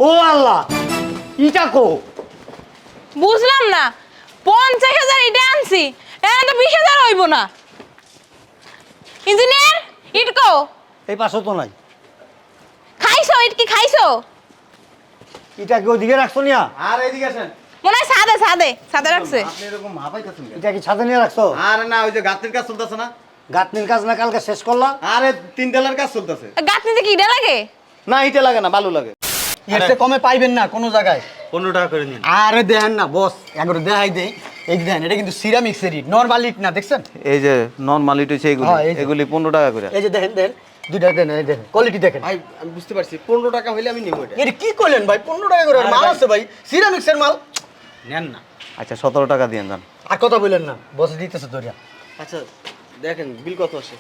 ও আল্লাহ, ইটা কো? বুঝলাম না, 50,000 ইটা আনছি, এখন তো 20,000 হইব না। ইঞ্জিনিয়ার, ইট কো? এই পাশে তো নাই। খাইছো? ইট কি খাইছো? ইটা কি ওদিকে রাখছো নিয়া? আর এদিকে আসেন। মনে হয় সাদে রাখছে। আপনি এরকম হাঁপাইতেছেন কেন? ইটা কি ছাদে নিয়ে রাখছো? আরে না, ওই যে গাঁথনির কাজ চলতেছে না। গাঁথনির কাজ না কালকে শেষ করলা? আরে 3 তলার কাজ চলতেছে। গাঁথনিতে কি ইটা লাগে? না, ইটা লাগে না, বালু লাগে। এর চেয়ে কমে পাইবেন না কোনো জায়গায়। 15 টাকা করে নিন। আরে দেখেন না বস, একবার দেখাই দেই। এই দেখেন, এটা কিন্তু সিরামিক্সের ইট, নরমাল ইট না, দেখছেন? এই যে নরমাল ইট হইছে এগুলি, হ্যাঁ, এই যে। এগুলি 15 টাকা করে। এই যে দেখেন দেখেন, দুইটা দেন, এই দেখেন কোয়ালিটি দেখেন। ভাই আমি বুঝতে পারছি, 15 টাকা হইলে আমি নিব এটা। এটা কি করলেন ভাই? 15 টাকা করে মাল আছে ভাই, সিরামিক্সের মাল। নেন না। আচ্ছা 17 টাকা দিয়ে যান। আর কথা বললেন না, বস দিতেছে দরিয়া। আচ্ছা দেখেন বিল কত আসে।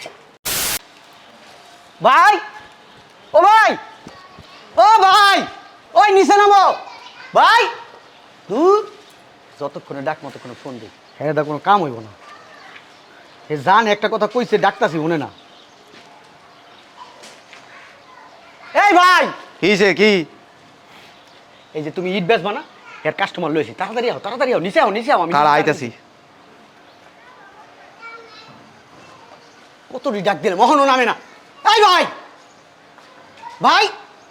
ভাই, ও ভাই, ও ভাই, ওই নিচে নামো ভাই। দূর, যতক্ষণে ডাক মতক্ষণে ফোন দিই। হ্যাঁ দা কোনো কাম হইব না। এ জান একটা কথা কইছে, ডাকতাছি শুনে না। এই ভাই, কিছে কি? এই যে তুমি ইট বেচবা না, এর কাস্টমার লইছি, তাড়াতাড়ি আও, তাড়াতাড়ি আও, নিচে আও, নিচে আও। আমি কার আইতাছি? কত ডাক দিলে মহনও নামে না। এই ভাই, ভাই,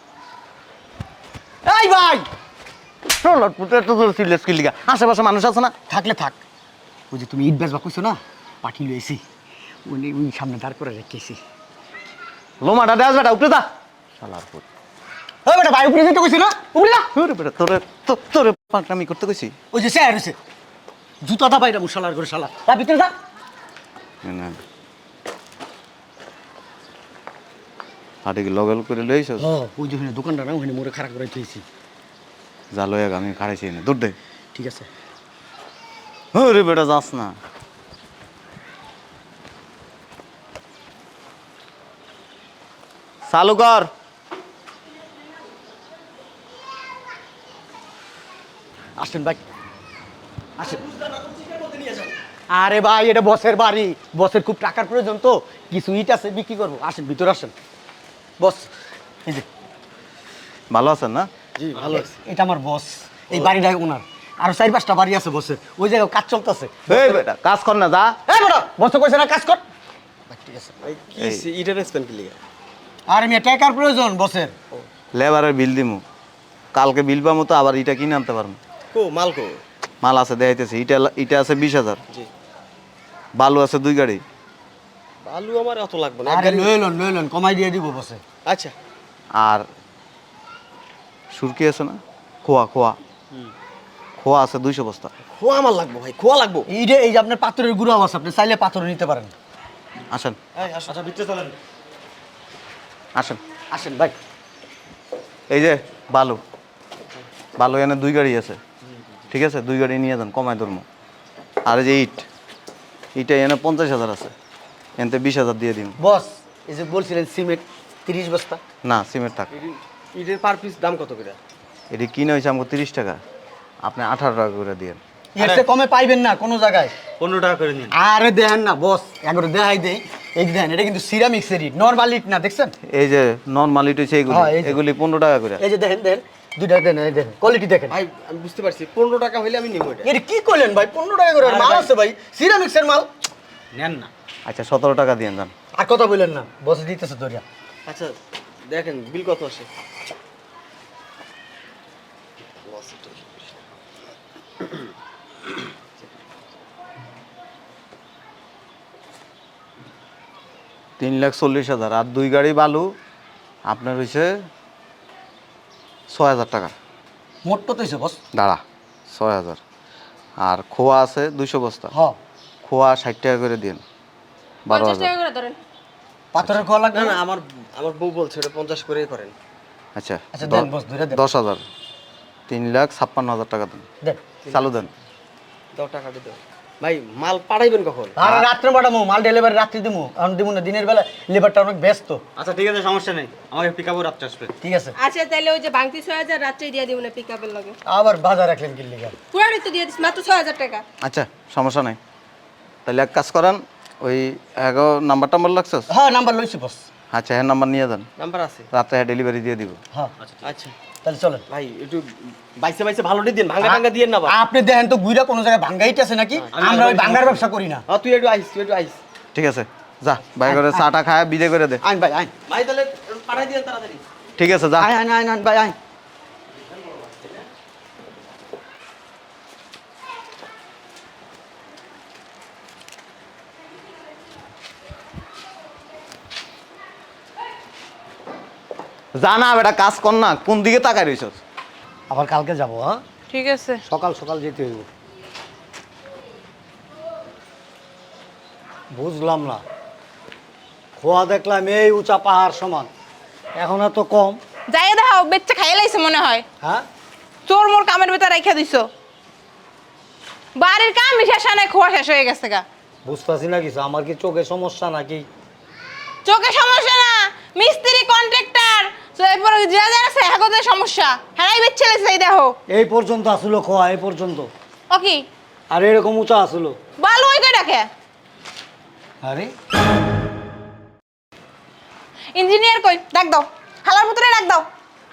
এই ভাই, চলো পুতে তো তোর সিলেস কি লিগা? আশেপাশে মানুষ আছে না? থাকলে থাক। ওই যে তুমি ইট বেচবা কইছো না, পাঠি লইছি, উনি ওই সামনে দাঁড় করে রেখেছি। লোমাটা দেয়াস বেটা, উপরে যা। শালার পুত। ওই বেটা ভাই, উপরে যেতে কইছি না, উপরে যা। ওরে বেটা, তোরে পাকনামি করতে কইছি। ওই যে স্যার হইছে, জুতাটা বাইরা মুশালার করে শালা, তা ভিতরে যা। না হাটে কি লগল করে লইছস? ওই যে ওখানে দোকানটা না, ওখানে মোড়ে খারাপ করে থইছি। যা লইয়া আমি খাড়াইছি না, দূর দে। ঠিক আছে। ওরে বেটা যাস না। চালু কর। আসেন ভাই, আসেন। আরে ভাই, এটা বসের বাড়ি, বসের খুব টাকার প্রয়োজন তো, কিছু ইট আছে বিক্রি করবো। আসেন ভিতরে আসেন। বস, এই যে ভালো আছেন না? জি ভালো আছে। এটা আমার বস, এই বাড়িটা ওনার। আরো 4-5টা বাড়ি আছে বসের, ওই জায়গায় কাজ চলতেছে। এই বেটা কাজ কর না, যা। এই বেটা, বস তো কইছে না কাজ কর। ঠিক আছে। ভাই কি ইটার স্পেন কি লিগা? আর মেয়ে টাকার প্রয়োজন বসের। লেবারের বিল দিমু, কালকে বিল পামু তো আবার ইটা কিনে আনতে পারবো। কো মাল কো? মাল আছে দেখাইতেছি। ইটা আছে 20,000, জি। বালু আছে 2 গাড়ি। বালু আমার অত লাগবে না। আরে লইলন কমাই দিয়ে দিব বসে। আচ্ছা। আর সুরকি আছে না, খোয়া খোয়া আছে 200 বস্তা। খোয়া আমার লাগবে ভাই, খোয়া লাগবে। এই যে আপনার পাথরের গুঁড়ো আছে, আপনি চাইলে পাথর নিতে পারেন। আসেন আচ্ছা ভিতরে চলেন। আসেন। আসেন ভাই। এই যে বালু এনে 2 গাড়ি আছে, ঠিক আছে? 2 গাড়ি নিয়ে যান, কমায় ধরবো। আর এই যে ইটা এনে 50,000 আছে, এনতে 20,000 দিয়ে দিন। বস, এই যে বলছিলেন সিমেন্ট 30 বস্তা। না, সিমেন্ট থাক। ইটের পার পিস দাম কত করে? এটি কিনে হয়েছে আমাকে 30 টাকা, আপনি 18 টাকা করে দিয়েন। এর চেয়ে কমে পাইবেন না কোনো জায়গায়। 15 টাকা করে নিন। আরে দেখেন না বস, একবার দেখাই দেই। এই দেখেন, এটা কিন্তু সিরামিক্সের ইট, নরমাল ইট না, দেখছেন? এই যে নরমাল ইট হইছে এগুলি, হ্যাঁ, এই যে। এগুলি 15 টাকা করে। এই যে দেখেন দেখেন, দুইটা দেন, এই দেখেন কোয়ালিটি দেখেন। ভাই আমি বুঝতে পারছি, 15 টাকা হইলে আমি নিব এটা। এটা কি করলেন ভাই? 15 টাকা করে আরে মাল ভাই। আছে ভাই, সিরামিক্সের মাল। নেন না। আচ্ছা 17 টাকা দিয়ে যান। আর কথা বললেন না, বস দিতেছে দরিয়া। আচ্ছা দেখেন বিল কত আসে। তিন 3,40,000 আর 2 গাড়ি বালু আপনার হয়েছে 6,000 টাকা। মোট কত হইছে বস? দাঁড়া, 6,000। আর খোয়া আছে 200 বস্তা, হ্যাঁ, খোয়া 60 টাকা করে দিন, 50 12,000। টাকা করে ধরেন। পাথরের খোয়া লাগবে না না? না, আমার বউ বলছে এটা 50 করেই করেন। আচ্ছা আচ্ছা দেন বস, ধরে দেন। 10,000, 3,56,000 টাকা দেন। দেন। চালু দেন। 10 টাকা দিতে ভাই। মাল পাঠাইবেন কখন? আর রাত্রে পাঠামো, মাল ডেলিভারি রাত্রি দিমু, এখন দিমু না, দিনের বেলা লেবারটা অনেক ব্যস্ত। আচ্ছা ঠিক আছে, সমস্যা নেই, আমাকে পিকআপও রাত্রে আসবে। ঠিক আছে। আচ্ছা তাহলে ওই যে ভাঙতি 6,000 রাত্রে দিয়ে দিব না পিকআপের লগে। আবার বাজার রাখলেন কি লিগা? পুরানি তো দিয়ে দিস মাত্র 6,000 টাকা। আচ্ছা সমস্যা নাই, তাহলে এক কাজ করেন, ওই নাম্বার টাম্বার লাগছে? হ্যাঁ, নাম্বার লইছি বস। আচ্ছা হ্যাঁ, নাম্বার নিয়ে যান, নাম্বার আছে? রাত্রে ডেলিভারি দিয়ে দিব। হ্যাঁ আচ্ছা তাহলে চলেন। ভাই একটু বাইসে বাইসে ভালোটি দিন, ভাঙা টাঙ্গা দিয়েন না ভাই। আপনি দেখেন তো গুইরা কোনো জায়গায় ভাঙ্গাইতে আছে নাকি? আমরা ওই ভাঙ্গার ব্যবসা করি না। তুই একটু আইস। ঠিক আছে যা ভাই করে চাটা খায় বিদে করে দে। আইন ভাই আইন। ভাই তাহলে পাঠাই দিন তাড়াতাড়ি। ঠিক আছে যা। আইন আইন আইন ভাই আইন। জানা বেটা কাজ কর না, কোন দিকে তাকাই রইছস? আবার কালকে যাবো, হ্যাঁ? ঠিক আছে। সকাল সকাল যেতে হইব। বুঝলাম না, খোয়া দেখলাম এই উঁচা পাহাড় সমান, এখন এত কম। যাই দেখাও বেচ্চা খাইয়ে লাইছে মনে হয়। হ্যাঁ, চোর মোর কামের ভেতর রেখে দিছো। বাড়ির কাম শেষ নাই, খোয়া শেষ হয়ে গেছে গা। বুঝতেছি না কিছু। আমার কি চোখে সমস্যা নাকি? চোখে সমস্যা না, মিস্ত্রি কন্ট্রাক্টর তো এরপর যা যা আছে হাগদের সমস্যা। হ্যাঁ বেচ্চা লাইছে এই দেখো। এই পর্যন্ত আসলো খোয়া, এই পর্যন্ত। ও কি আর এরকম উঁচা আসলো। ভালো হই কই ডাকে আরে ইঞ্জিনিয়ার কই ডাক দাও, হালার ভিতরে ডাক দাও।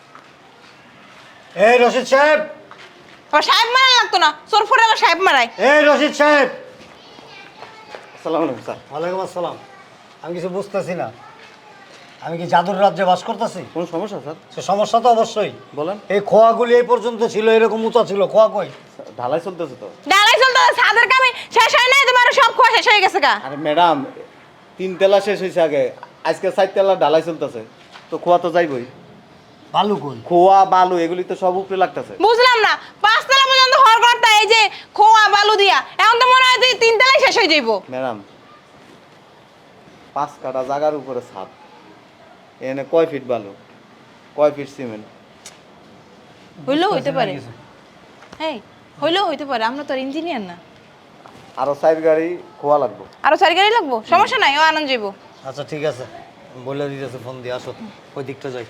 এই রশিদ সাহেব, আবার সাহেব মারা লাগতো না, চোর ফোরে আবার সাহেব মারায়। এই রশিদ সাহেব। আসসালামু আলাইকুম স্যার। ওয়ালাইকুম আসসালাম। আমি কিছু বুঝতেছি না, আমি কি জাদুর রাজ্যে বাস করতেছি? কোন সমস্যা স্যার? সে সমস্যা তো অবশ্যই। বলেন। এই খোয়াগুলি এই পর্যন্ত ছিল, এরকম উঁচা ছিল। খোয়া কই? ঢালাই চলতেছে তো। ডালাই চলতে ছাদের কামে শেষ হয় নাই, তোমার সব খোয়া শেষ হয়ে গেছে গা। আরে ম্যাডাম, 3 তেলা শেষ হয়েছে আগে, আজকে 4 তেলা ঢালাই চলতেছে, তো খোয়া তো যাইবই। বালু কই? খোয়া বালু এগুলি তো সব উপরে লাগতেছে। বুঝলাম না, 5 তলা পর্যন্ত হর করতে এই যে খোয়া বালু দিয়া, এখন তো মনে হয় যে 3 তলায় শেষ হয়ে যাইবো। ম্যাডাম 5 কাঠা জায়গার উপরে ছাদ, এনে কয় ফিট বালু, কয় ফিট সিমেন্ট? হইলেও হইতে পারে। হ্যাঁ হইলেও হইতে পারে, আমরা তো ইঞ্জিনিয়ার না। আরো 4 গাড়ি খোয়া লাগবে। আরো 4 গাড়ি লাগবো, সমস্যা নাই, ও আনন্দ যাইবো। আচ্ছা ঠিক আছে, বলে দিতেছে, ফোন দিয়ে আসো, ওই দিকটা যাই।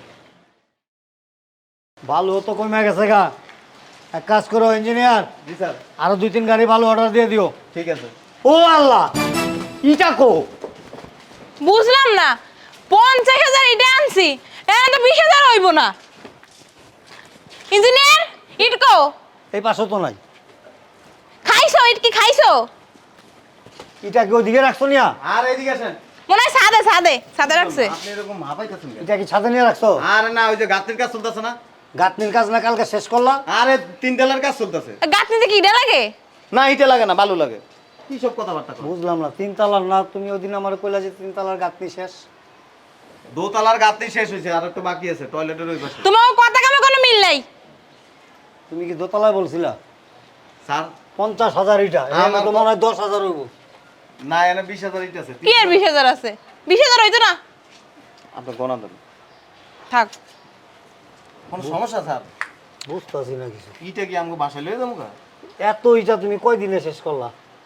বালু তো কমে গেছে গা। এক কাজ করো ইঞ্জিনিয়ার, জি স্যার। আরো 2-3 গাড়ি বালু অর্ডার দিয়ে দিও। ঠিক আছে। ও আল্লাহ, ইটা কো? বুঝলাম না, 50,000 ইটা আনছি, এখন তো 20,000 হইব না। ইঞ্জিনিয়ার ইট কো? এই পাশে তো নাই। খাইছো ইট কি খাইছো? ইটা কি ওদিকে রাখছো নিয়া? আর এদিকে আসেন। মনে হয় সাদে রাখছে। আপনি এরকম হাঁপাইতেছেন কেন? ইটা কি ছাদে নিয়ে রাখছো? আরে না, ওই যে গাঁথনির কাজ চলতেছে না। গাঁথনির কাজ না কালকে শেষ করলা? আরে 3 তেলার কাজ চলতেছে। গাঁথনিতে কি ইটা লাগে? না ইটা লাগে না, বালু লাগে। কি সব কথাবার্তা কর? বুঝলাম না, 3 তলার না? তুমি ওদিন আমার কইলা যে 3 তলার গাঁথনি শেষ। 2 তলার গাঁথনি শেষ হয়েছে, আর একটু বাকি আছে টয়লেটের ওই পাশে। তোমার কথা কামে কোনো মিল নাই। তুমি কি দোতলায় বলছিলা? স্যার 50,000 ইটা, আমার তো মনে হয় 10,000 হইব। না, এনে 20,000 ইট আছে। কি আর 20,000 আছে? 20,000 হইতো না? আপনি গণা দেন। থাক। কোনো সমস্যা স্যার? বুঝতেছি না কিছু। ইটা কি আমাকে বাসায় লয়ে যাবো? এত ইটা তুমি কয় দিনে শেষ করলা?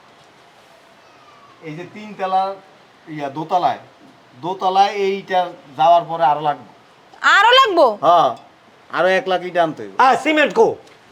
এই যে 3 তলার দোতলায় এইটা যাওয়ার পরে আরো লাগবে। আরো লাগবো? হ্যাঁ, আরো 1 লাখ ইটা আনতে হবে। সিমেন্ট কো?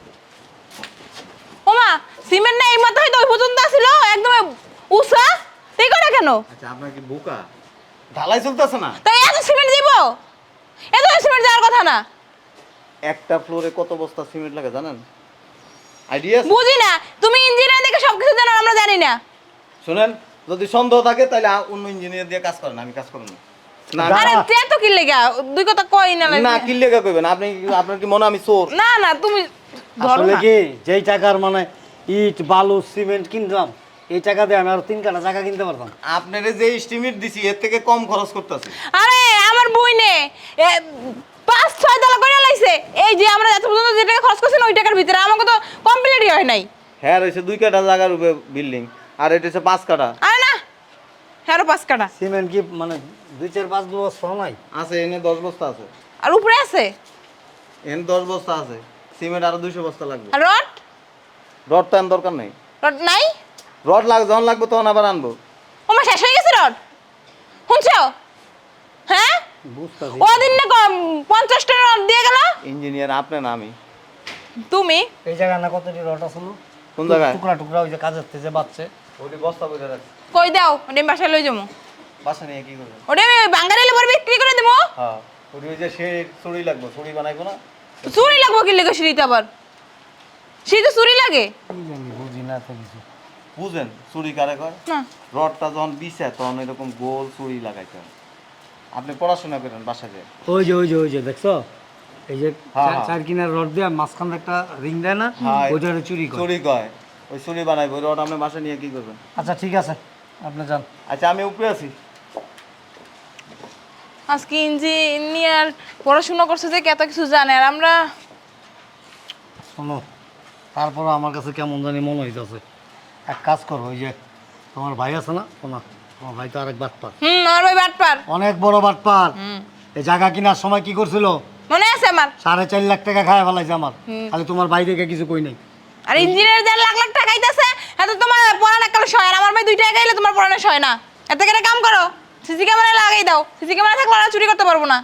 ওমা সিমেন্ট না এই মাত্র হয়তো ওই পর্যন্ত ছিল, একদম উষা তুই করে কেন? আচ্ছা আপনার কি বোকা? ঢালাই চলতেছে না? তাই এত সিমেন্ট দিব? এত সিমেন্ট যাওয়ার কথা না। একটা ফ্লোরে কত বস্তা সিমেন্ট লাগে জানেন? আইডিয়া আছে? বুঝি না, তুমি ইঞ্জিনিয়ার দেখে সবকিছু জানো, আমরা জানি না। শুনেন, যদি সন্দেহ থাকে তাহলে অন্য ইঞ্জিনিয়ার দিয়ে কাজ করেন, আমি কাজ করব না। না আরে এত কি লেগা দুই কথা কই না লাগে। না, কি লেখা কইবেন? আপনার কি মনে হয় আমি চোর? না না তুমি ধরো আসলে না। কি যেই টাকার মানে ইট বালু সিমেন্ট কিনলাম, এই টাকা দিয়ে আমি আরো 3 কাঠা জায়গা কিনতে পারতাম। আপনারে যে এস্টিমেট দিছি এর থেকে কম খরচ করতেছে। আরে আমার বই নে 5-6 তলা করে লাইছে, এই যে আমরা এত পর্যন্ত যে টাকা খরচ করছি না ওই টাকার ভিতরে আমাকে তো কমপ্লিটই হয় নাই। হ্যাঁ রয়েছে 2 কাঠা জায়গার উপরে বিল্ডিং, আর এটা হচ্ছে 5 কাঠা আরে না হ্যাঁ 5 কাটা সিমেন্ট কি মানে 2-4-5 বস্তা নাই? আছে। এনে 10 বস্তা আছে, আর উপরে আছে এনে 10 বস্তা আছে। সিমেন্ট আরো 200 বস্তা লাগবে। আর রড রড তো আনার দরকার নেই। রড নাই? রড যখন লাগবে তখন আবার আনবো। ওমা শেষ হয়ে গেছে রড, শুনছো? হ্যাঁ বুঝতাছি। ওদিন না 50টা রড দিয়ে গেল। ইঞ্জিনিয়ার আপনি না আমি। তুমি এই জায়গা না কতটি রড আছে? কোন জায়গায়? টুকরা টুকরা ওই যে কাজের থেকে বাচ্চা। ওটি বস্তা বইরা রাখছি। কই দাও, ওটা আমি বাসায় লই যাবো। বাসা নিয়ে কি করবেন? ওটা আমি বাঙ্গারিলে পরে বিক্রি করে দেবো। হ্যাঁ, ওটি ওই যে সে ছড়ি লাগবে, ছড়ি বানাইবো না? চুরি লাগবো কি লেগে সিঁড়িতে আবার সিঁড়িতে চুরি লাগে কি জানি বুঝি না তো কিছু। বুঝেন চুরি কারে কয়? না রডটা যখন বিছে তখন এরকম গোল চুরি লাগাইতে হয়। আপনি পড়াশোনা করেন বাসা যেয়ে। ওই যে দেখছো এই যে হ্যাঁ, হ্যাঁ। চার কিনার রড দিয়ে মাঝখানে একটা রিং দেয় না, হ্যাঁ, ওইটা চুরি করে। চুরি কয়, ওই চুরি বানাইবো। ওই রড আপনি বাসা নিয়ে কি করবেন? আচ্ছা ঠিক আছে, আপনি যান। আচ্ছা আমি উপরে আছি। আজকে ইঞ্জিনিয়ার পড়াশোনা করছে যে কত কিছু জানে আর আমরা শোনো, তারপরে আমার কাছে কেমন জানি মনে হইতেছে। এক কাজ করো, ওই যে তোমার ভাই আছে না, শোনা, তোমার ভাই তো আরেক বাটপার, আমার ভাই বাটপার অনেক বড় বাটপার। এই জায়গা কেনার সময় কি করছিল, মনে আছে আমার 4.5 লাখ টাকা খায় ফেলাইছে আমার। খালি তোমার ভাই দেখে কিছু কই নাই। আর ইঞ্জিনিয়ার 1.5 লাখ লাখ টাকা খাইতেছে এত তোমার পড়ানো কাল সয় আর আমার ভাই 2 টাকা গাইলে তোমার পড়ানো সয় না। এত কেন কাম করো, সিসি ক্যামেরা লাগাই দাও। সিসি ক্যামেরা থাকলে ওরা চুরি করতে পারবো না।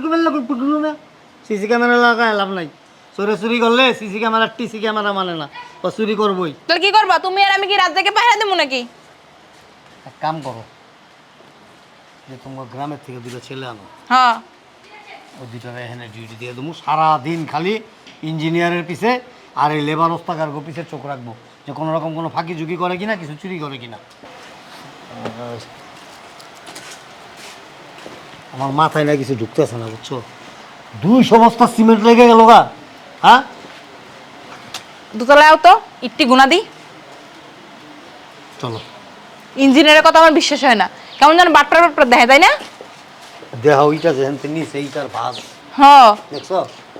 সিসি ক্যামেরা লাগায় লাভ নাই, চুরি করলে সিসি ক্যামেরা টিসি ক্যামেরা মানে না, ও চুরি করবোই। তাহলে কি করবা তুমি আর আমি, কি রাত থেকে পাহারা দেবো নাকি? এক কাম করো, যে তোমার গ্রামের থেকে 2টা ছেলে আনো, হ্যাঁ ওই 2টার এখানে ডিউটি দিয়ে দেবো। সারাদিন খালি ইঞ্জিনিয়ারের পিছে আর এই লেবার ওস্তাকার পিছে চোখ রাখবো, যে কোনো রকম কোনো ফাঁকি ঝুঁকি করে কিনা, কিছু চুরি করে কিনা। আমার মাথায় না কিছু ঢুকতেছে না, বুঝছো? 200 বস্তা সিমেন্ট লেগে গেল গা। হ্যাঁ, দুতলায় তো ইটটি গুনা দিই। চলো। ইঞ্জিনিয়ারের কথা আমার বিশ্বাস হয় না, কেমন যেন বাটপার বাটপার দেখে, তাই না? দেহ ওইটা যেন নিচে এইটার ভাজ, হ্যাঁ দেখছো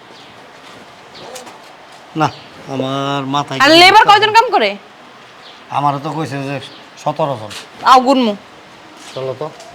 না? আমার মাথায় আর কিছু লেবার ঢুকতেছে কয়জন না। কাম করে? আমারও তো কইছে যে 17 জন। আও গুনমু। চলো তো।